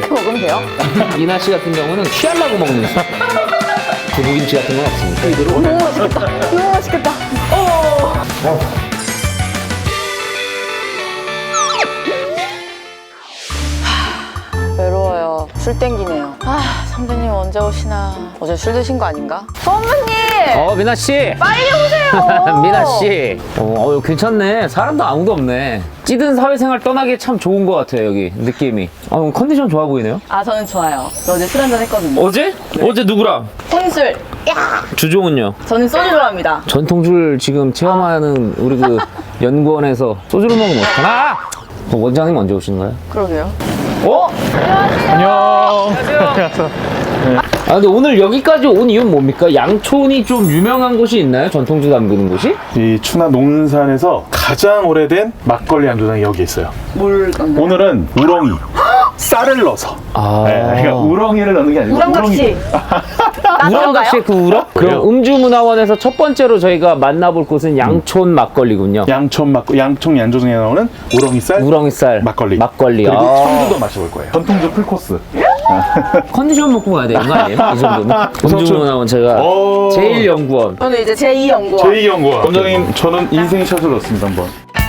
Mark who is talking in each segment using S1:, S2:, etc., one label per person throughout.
S1: 이렇게 먹으면 돼요?
S2: 미나 씨 같은 경우는 취하려고 먹는 두부김치 같은 건 없습니까?
S1: 너무 맛있겠다. 너무 맛있겠다. 외로워요. 술 땡기네요. 아, 선배님 언제 오시나. 어제 술 드신 거 아닌가? 선배님!
S2: 미나 씨.
S1: 빨리 오세요!
S2: 미나 씨. 괜찮네. 사람도 아무도 없네. 찌든 사회생활 떠나기 참 좋은 것 같아요, 여기 느낌이. 컨디션 좋아 보이네요.
S1: 아, 저는 좋아요. 저 어제 술 한잔 했거든요.
S2: 어제? 어제 누구랑?
S1: 혼술.
S2: 주종은요?
S1: 저는 소주 좋아합니다.
S2: 전통술 지금 체험하는 우리 그 연구원에서 소주를 먹으면 어떡하나? 원장님 언제 오시는 거예요?
S1: 그러게요.
S3: 안녕.
S2: 근데 오늘 여기까지 온 이유는 뭡니까? 양촌이 좀 유명한 곳이 있나요? 전통주 담그는 곳이?
S3: 이 추나 농산에서 가장 오래된 막걸리 양조장이 여기 있어요.
S1: 뭘 넣나요?
S3: 오늘은 우렁이, 쌀을 넣어서. 네, 그러니까 우렁이를 넣는 게 아니고
S1: 우렁각시.
S2: 우렁각시의 그 우렁? 그럼 음주문화원에서 첫 번째로 저희가 만나볼 곳은 양촌 막걸리군요.
S3: 양촌 양조장에 나오는 우렁이쌀
S2: 우렁이쌀
S3: 막걸리.
S2: 그리고
S3: 청주도 마셔볼 거예요. 전통주 풀코스.
S2: 컨디션 먹고 가야 되는 거 아니에요? 이 정도면? 음주문화원 제가 제일 연구원.
S1: 저는 이제 제2연구원.
S3: 제2연구원. 원장님, 저는 인생샷을 넣습니다, 한번.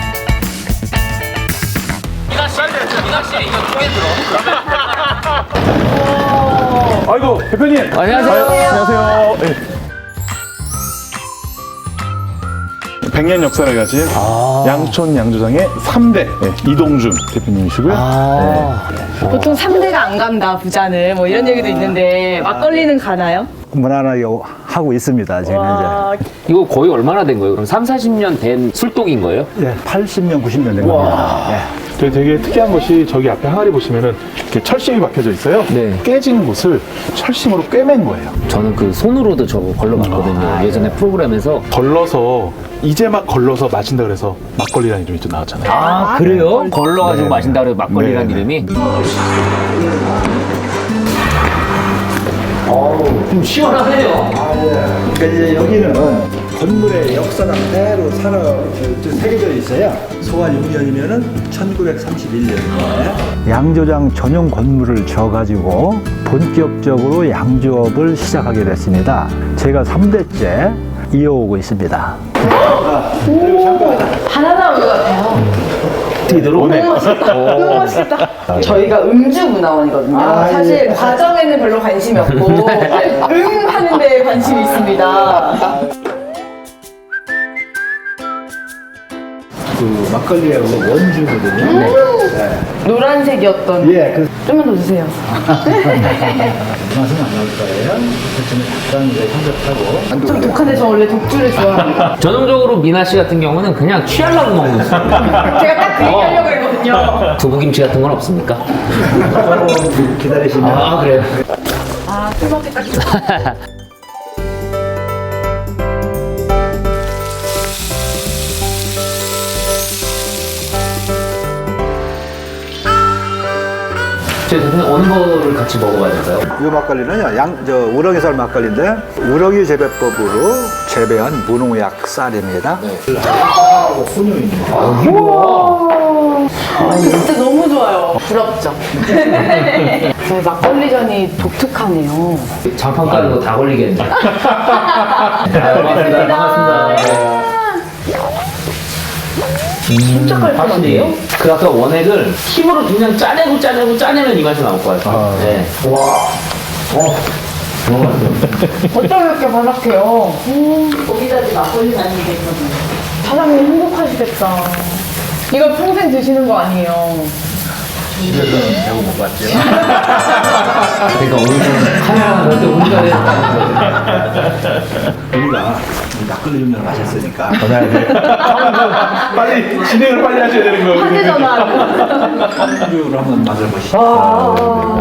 S2: 미나 씨 이거 통에 들어.
S3: 아이고, 대표님.
S2: 안녕하세요.
S3: 안녕하세요. 네. 100년 역사를 가진 양촌 양조장의 3대 이동준 대표님이시고요.
S1: 보통 3대가 안 간다, 부자는. 뭐 이런 얘기도 있는데, 막걸리는 가나요?
S4: 무난하게 하고 있습니다. 지금
S2: 이거 거의 얼마나 된 거예요? 그럼 3, 40년 된 술독인 거예요?
S4: 현재 80년, 90년 된 겁니다.
S3: 되게 특이한 것이 저기 앞에 항아리 보시면은 이렇게 철심이 박혀져 있어요.
S2: 네.
S3: 깨진 곳을 철심으로 꿰맨 거예요.
S2: 저는 그 손으로도 저거 걸러봤거든요. 예전에 프로그램에서.
S3: 걸러서 이제 막 걸러서 마신다 그래서 막걸리라는 이름이 또 나왔잖아요.
S2: 아, 그래요? 걸러가지고 마신다 그래서 막걸리라는
S3: 네.
S2: 이름이? 좀 시원하네요.
S4: 그러니까 이제 여기는 건물의 역사가 그대로 새겨져 있어요. 소환 6년이면은 1931년에 양조장 전용 건물을 지어가지고 본격적으로 양조업을 시작하게 됐습니다. 제가 3대째 이어오고 있습니다.
S1: 하나 나온 것 같아요.
S2: 들어오네.
S1: 너무 맛있다. 너무 맛있다. 저희가 음주문화원이거든요. 사실 과정에는 별로 관심이 없고 하는 데에 관심이 있습니다.
S4: 그 막걸리의 원주거든요.
S1: 노란색이었던.
S4: 예,
S1: 좀만 더 주세요.
S4: 맛은 안 나올 거예요. 그렇지만 약간 이제 향긋하고.
S1: 좀 독한데 저 원래 독주를 좋아합니다.
S2: 전형적으로 미나 씨 같은 경우는 그냥 취하려고 먹는 술.
S1: 제가 딱 그 얘기하려고 했거든요.
S2: 두부김치 같은 건 없습니까?
S4: 기다리시면.
S2: 아, 그래요?
S1: 아, 술 먹기 딱 좋아.
S2: 저희 대표님 어느 거를 같이 먹어봐야 될까요?
S4: 이 막걸리는요, 우렁이쌀 막걸리인데, 우렁이 재배법으로 재배한 무농약 쌀입니다.
S1: 진짜 너무 좋아요. 부럽죠? 저희 막걸리전이 독특하네요.
S2: 장판 까는 거 다 걸리겠네. 반갑습니다. 반갑습니다.
S1: 진짜 깔끔한데요?
S2: 그 아까 원액을 힘으로 그냥 짜내면 이 맛이 나올 것 같아요. 네.
S1: 어쩜 이렇게 바삭해요? 거기까지 막걸리 다니는 게 있거든요. 사장님 행복하시겠다. 이거 평생 드시는 거 아니에요?
S4: 집에서는 배워 못 봤죠.
S2: 그러니까 오늘 카메라 볼때 우리가
S4: 우리가 막걸리 음료를 마셨으니까.
S3: 빨리 진행을 빨리 하셔야 되는 거예요.
S1: 화제전화.
S4: 음료를 한번 맛을 보시죠.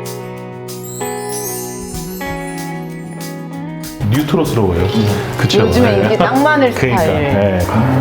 S3: 뉴트로스러워요. 그쵸?
S1: 요즘에 인기 딱 많을
S3: 그러니까,
S1: 스타일.
S3: 네.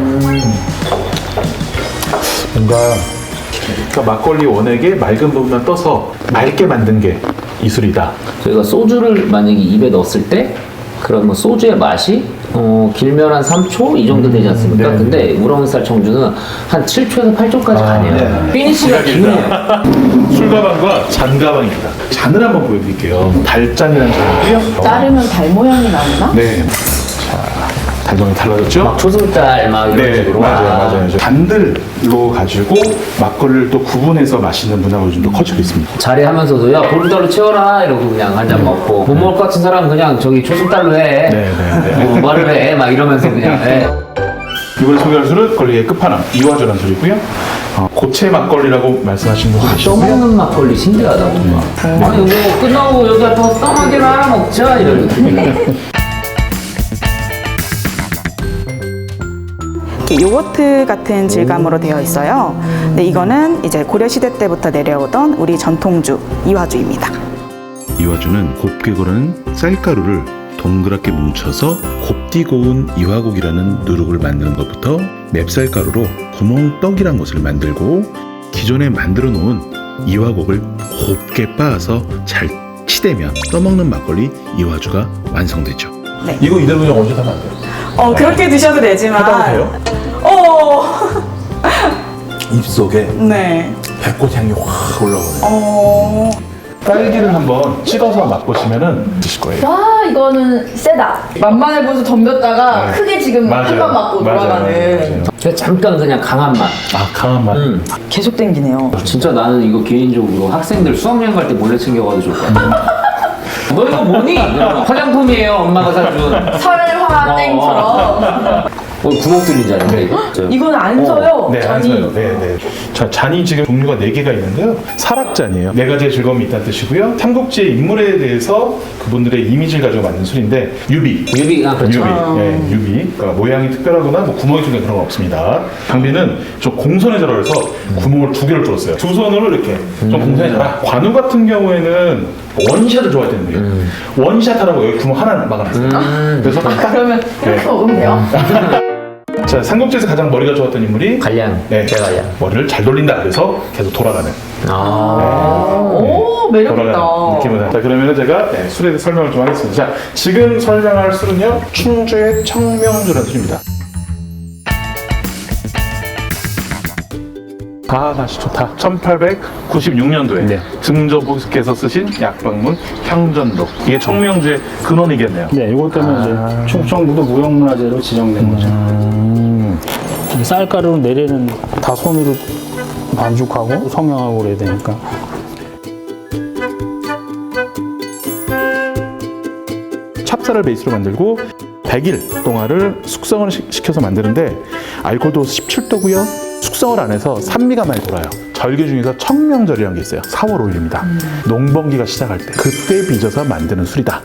S3: 뭔가 그러니까 막걸리 원액에 맑은 부분만 떠서 맑게 만든 게 이술이다.
S2: 저희가 소주를 만약에 입에 넣었을 때 그런 뭐 소주의 맛이 길면 한 3초 이 정도 되지 않습니까?
S3: 네.
S2: 근데 우렁이쌀 청주는 한 7초에서 8초까지 가네요. 피니시가 기네요.
S3: 술가방과 잔가방입니다. 잔을 한번 보여드릴게요. 달잔이라는 잔이고요.
S1: 자르면 달 모양이 나오나?
S3: 네. 자, 달동이 달라졌죠?
S2: 막 초승달 막 이런
S3: 네,
S2: 식으로.
S3: 맞아요. 잔들로 가지고 막걸리를 또 구분해서 마시는 문화가 요즘도 커지고 있습니다.
S2: 자리하면서도 야 보름달로 채워라 이러고 그냥 한 잔 먹고 못 먹을 것 같은 사람은 그냥 저기 초승달로 해.
S3: 네.
S2: 뭐 말을 해. 막 이러면서 그냥 해.
S3: 이번에 소개할 술은 걸리의 끝판왕 이화조라는 술이고요. 고체 막걸리라고 말씀하신 분 계시고요.
S2: 떠먹는 막걸리 신기하다 뭔가. 아니 뭐 끝나고 여기 앞에 가서 떠먹이를 하나 먹자 이런 느낌이네.
S5: 이렇게 요거트 같은 질감으로 되어 있어요. 근데 이거는 이제 고려시대 때부터 내려오던 우리 전통주 이화주입니다.
S6: 이화주는 곱게 고른 쌀가루를 동그랗게 뭉쳐서 곱디 고운 이화곡이라는 누룩을 만드는 것부터 맵쌀가루로 구멍떡이란 것을 만들고 기존에 만들어 놓은 이화곡을 곱게 빻아서 잘 치대면 떠먹는 막걸리 이화주가 완성되죠.
S3: 이거 이대로 그냥 언제 사면 안 돼요?
S5: 그렇게 드셔도 되지만.
S3: 해당이 돼요? 입속에
S5: 네.
S3: 배꽃 향이 확 올라오네요. 딸기를 한번 찍어서 맛보시면은 드실 거예요.
S1: 와, 이거는 세다. 만만해 보여서 덤볐다가 크게 지금
S3: 맞아요.
S1: 한번 맞고 돌아가는.
S2: 그냥 잠깐 그냥 강한 맛.
S3: 강한 맛.
S5: 계속 땡기네요.
S2: 진짜 나는 이거 개인적으로 학생들 수학여행 갈 때 몰래 챙겨가도 좋을 것 같아. 너 이거 뭐니? 화장품이에요 엄마가 사준.
S1: 설화땡처럼.
S2: 구멍 뚫린 잔인데 이거.
S1: 이건 안 서요.
S3: 네, 안 써요. 네. 자, 잔이 지금 종류가 4개가 있는데요. 설악잔이에요. 4가지의 즐거움이 있다는 뜻이고요. 삼국지의 인물에 대해서 그분들의 이미지를 가지고 만든 술인데 유비.
S2: 유비가 그렇죠.
S3: 유비. 그러니까 모양이 특별하거나 뭐 구멍이 뚫린 그런 건 없습니다. 강비는 좀 공손에 절하여서 구멍을 2개를 뚫었어요. 두 손으로 이렇게 좀 공손에 절하. 관우 같은 경우에는 원샷을 좋아했다는 거예요. 원샷 하라고 여기 구멍 하나 막아놨어요. 그래서
S1: 그러면 이렇게 먹으면 돼요.
S3: 자, 삼국지에서 가장 머리가 좋았던 인물이
S2: 관량.
S3: 네,
S2: 대관량.
S3: 머리를 잘 돌린다. 그래서 계속 돌아가는.
S1: 오, 매력있다.
S3: 돌아가는 느낌으로. 자, 그러면 제가 술에 대해 설명을 좀 하겠습니다. 자, 지금 설명할 술은요, 충주의 청명주라는 술입니다. 맛이 좋다. 1896년도에 증조부께서 쓰신 약방문 향전록. 이게 청명주의 근원이겠네요.
S4: 네, 이것 때문에 이제 충청북도 무형문화재로 지정된 거죠. 쌀가루를 내리는 다 손으로 반죽하고 성형하고 그래야 되니까.
S3: 찹쌀을 베이스로 만들고 100일 동안을 숙성을 시켜서 만드는데 알코올도 17도고요. 숙성을 안 해서 산미가 많이 돌아요. 절기 중에서 청명절이라는 게 있어요. 4월 5일입니다. 농번기가 시작할 때 그때 빚어서 만드는 술이다.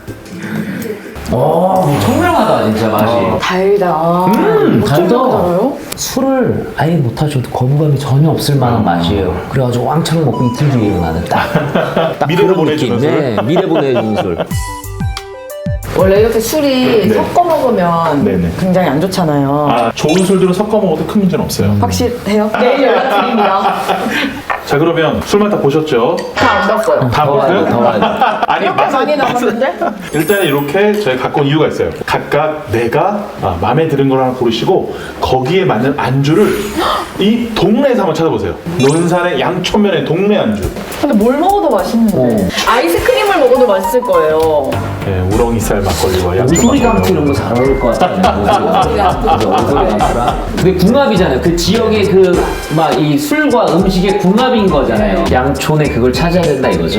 S2: 청명하다 진짜 맛이.
S1: 달다.
S2: 달다. 술을 아예 못 하셔도 거부감이 전혀 없을 만한 맛이에요. 그래가지고 왕창 먹고 이틀 뒤에 일어나는 딱
S3: 미래로
S2: 그런
S3: 보내주는
S2: 느낌.
S3: 술?
S2: 네, 미래 보내주는 술.
S1: 원래 이렇게 술이
S3: 네.
S1: 섞어 먹으면
S3: 네네.
S1: 굉장히 안 좋잖아요.
S3: 좋은 술들은 섞어 먹어도 큰 문제는 없어요.
S1: 확실해요? 내일 연락드립니다.
S3: 자, 그러면 술만 다 보셨죠?
S1: 다 안 봤어요.
S3: 다
S2: 더 와야 돼, 더 와야 돼.
S3: 아니,
S1: 이렇게 많이 남았는데?
S3: 일단 이렇게 저희 갖고 온 이유가 있어요. 각각 내가 마음에 드는 걸 하나 고르시고 거기에 맞는 안주를 이 동네에서 한번 찾아보세요. 논산의 양촌면의 동네 안주.
S1: 근데 뭘 먹어도 맛있는데. 아이스크림을 먹어도 맛있을 거예요.
S3: 네, 우렁이쌀 막걸리와 양촌
S2: 오소리 감투
S3: 막걸리.
S2: 이런 거 잘 어울릴 것 같아요. 오소리 감투랑. 근데 궁합이잖아요. 그 지역의 그 막 이 술과 음식의 궁합인 거잖아요. 양촌에 그걸 찾아야 된다 이거죠.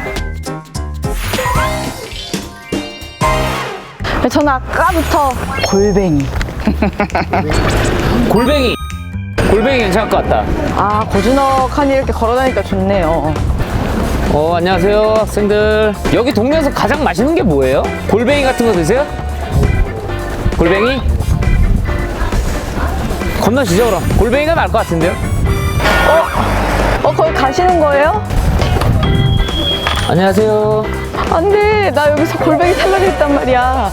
S1: 저는 아까부터 골뱅이.
S2: 골뱅이. 골뱅이 괜찮을 것 같다.
S1: 아, 고즈넉하니 이렇게 걸어다니까 좋네요.
S2: 안녕하세요 학생들. 여기 동네에서 가장 맛있는 게 뭐예요? 골뱅이 같은 거 드세요? 골뱅이? 건너시죠 그럼. 골뱅이가 나을 것 같은데요?
S1: 거기 가시는 거예요?
S2: 안녕하세요.
S1: 안 돼. 나 여기서 골뱅이 살라고 했단 말이야.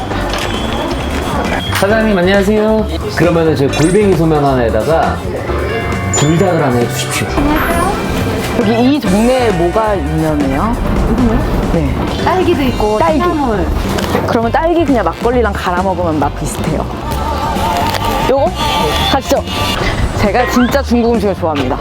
S2: 사장님 안녕하세요. 그러면은 제 골뱅이 소면 하나에다가 불닭을 하나 해주십시오.
S1: 저기 이 동네에 뭐가 유명해요? 네.
S7: 딸기도 있고
S1: 딸기.
S7: 콩나물.
S1: 그러면 딸기 그냥 막걸리랑 갈아 먹으면 맛 비슷해요. 요거? 가시죠. 제가 진짜 중국 음식을 좋아합니다.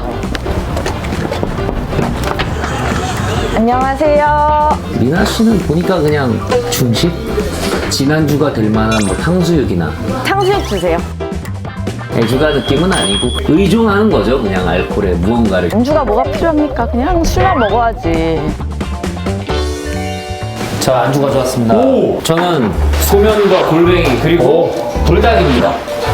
S1: 안녕하세요.
S2: 미나 씨는 보니까 그냥 중식? 지난주가 될 만한 뭐 탕수육이나
S1: 탕수육 주세요.
S2: 애주가 느낌은 아니고 의존하는 거죠. 그냥 알코올에 무언가를.
S1: 안주가 뭐가 필요합니까? 그냥 술만 먹어야지.
S2: 저 안주 가져왔습니다.
S3: 오!
S2: 저는 소면과 골뱅이 그리고 불닭입니다.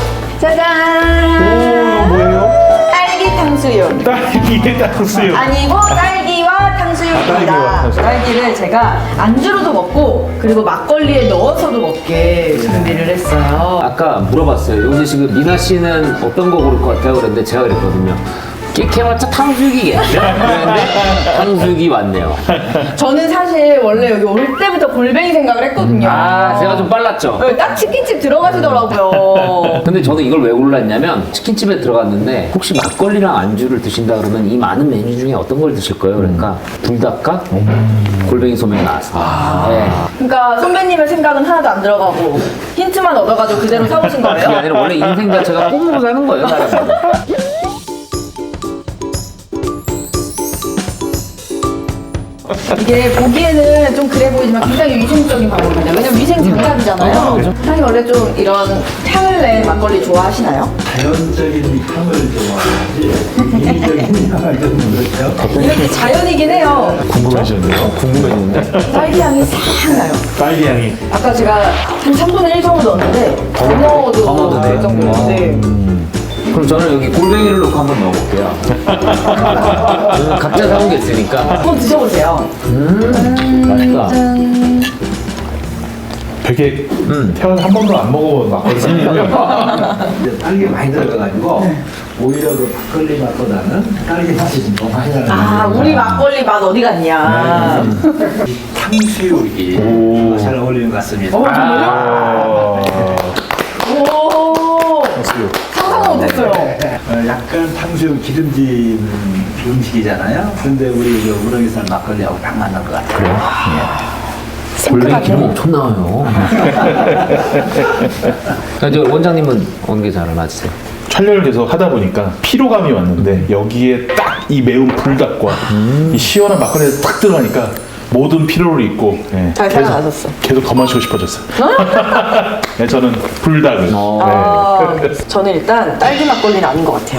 S7: 짜잔!
S3: 뭐예요?
S7: 딸기 탕수육.
S3: 딸기의 탕수육.
S7: 아니고 딸기와 탕수육입니다.
S3: 딸기와 탕수육.
S7: 딸기를 제가 안주로도 먹고 그리고 막걸리에 넣어서도 먹게 준비를 했어요.
S2: 아까 물어봤어요. 여기서 지금 미나 씨는 어떤 거 고를 것 같아요? 그랬는데 제가 그랬거든요. 깨케마차 탕수육이겠죠? 그랬는데 탕수육이 왔네요.
S7: 저는 사실 원래 여기 올 때부터 골뱅이 생각을 했거든요.
S2: 아, 제가 좀 빨랐죠?
S7: 네, 딱 치킨집 들어가시더라고요.
S2: 근데 저는 이걸 왜 골랐냐면 치킨집에 들어갔는데 혹시 막걸리랑 안주를 드신다 그러면 이 많은 메뉴 중에 어떤 걸 드실 거예요? 그러니까 불닭과 골뱅이 소면이 나왔습니다. 네.
S7: 그러니까 선배님의 생각은 하나도 안 들어가고 힌트만 얻어가지고 그대로 사오신
S2: 그게
S7: 거예요?
S2: 아니라 원래 인생 자체가 꿈으로 사는 거예요, 사람은.
S7: 이게 보기에는 좀 그래 보이지만 굉장히 위생적인 방법입니다. 왜냐면 위생 장갑이잖아요. 사실 원래 좀 이런 향을 낸 막걸리 좋아하시나요?
S4: 자연적인 향을 좋아하지 인위적인 향을 좀 그렇죠.
S7: 이렇게 자연이긴 해요.
S3: 궁금해지는데요?
S2: 궁금했는데.
S7: 딸기 향이 싹 나요.
S3: 딸기 향이.
S7: 아까 제가 한 3분의 1 정도 넣었는데 더 넣어도
S2: 넣어도 돼요?
S7: 될 정도인데
S2: 그럼 저는 여기 골뱅이를 넣고 한번 넣어볼게요. 각자 사온 게 있으니까.
S7: 한번 드셔보세요.
S2: 맛있다.
S3: 되게 태어나서 한 번도 안 먹어본 막걸리잖아요.
S4: 딸기 많이 들어가가지고 오히려 그 막걸리 맛보다는 딸기 맛이 좀 더 많이 나는.
S7: 아, 우리 막걸리 맛 어디 갔냐.
S4: 탕수육이 잘 어울리는 것 같습니다.
S3: 아,
S7: 오,
S3: 탕수육.
S7: 상상은 못했어요.
S4: 약간 탕수육 기름진 음식이잖아요. 근데 우리 그 우렁이살 막걸리하고 딱 맞는 것 같아요.
S2: 골뱅이 기름 엄청 나와요. 저 원장님은 어느 게 잘 맞으세요?
S3: 촬영을 계속 하다 보니까 피로감이 왔는데 여기에 딱 이 매운 불닭과 이 시원한 막걸리가 딱 들어가니까 모든 피로를 잊고 예,
S7: 잘 살아나셨어.
S3: 계속 더 마시고 싶어졌어요. 네, 저는 불닭을.
S7: 아, 저는 일단 딸기 막걸리는 아닌 것 같아요.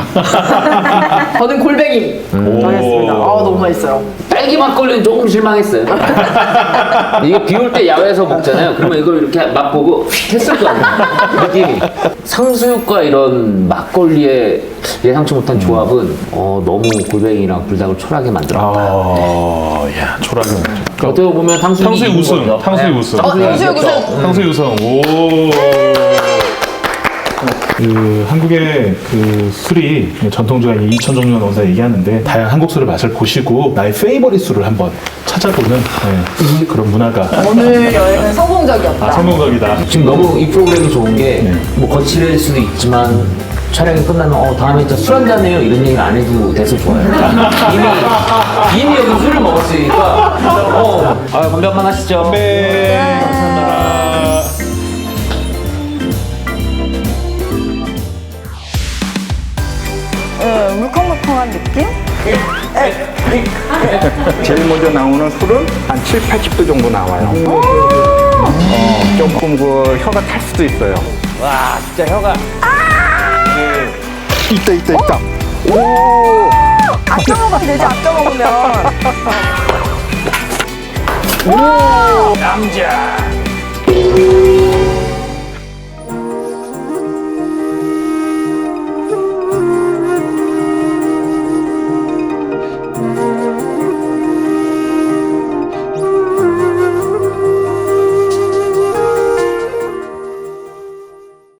S7: 저는 골뱅이 정했습니다. 아, 너무 맛있어요.
S2: 딸기 막걸리는 조금 실망했어요. 이게 비 올 때 야외에서 먹잖아요. 그러면 이걸 이렇게 맛보고 휙 했을 거 아니에요. 느낌이. 상수육과 이런 막걸리의 예상치 못한 조합은 너무 골뱅이랑 불닭을 초라하게 만들었다.
S3: 야, 초라하게 먹죠.
S2: 어떻게 보면 탕수육이
S3: 탕수육
S2: 이긴
S3: 우승.
S2: 거죠.
S3: 탕수육 우승.
S7: 탕수육 우승.
S3: 탕수육 우승. 오. 그 한국의 그 술이 전통주가 2,000 종류가 넘는다 얘기하는데 다양한 한국 술을 맛을 보시고 나의 페이버릿 술을 한번 찾아보는 그런 문화가
S7: 오늘 여행은 성공적이었다.
S3: 성공적이다.
S2: 지금 너무 이 프로그램이 좋은 게 뭐 거칠일 수도 있지만 촬영이 끝나면 다음에 진짜 술 한잔해요 이런 얘기를 안 해도 돼서 좋아요. 이미 여기 술을 먹었으니까 건배 한번 하시죠.
S3: 네. 감사합니다.
S5: 물컹물컹한 느낌?
S8: 제일 먼저 나오는 술은 한 7, 80도 정도 나와요. 조금 그 혀가 탈 수도 있어요.
S2: 와 진짜 혀가.
S8: 있다.
S5: 아껴 먹으면 되지, 아껴 먹으면.
S2: 남자.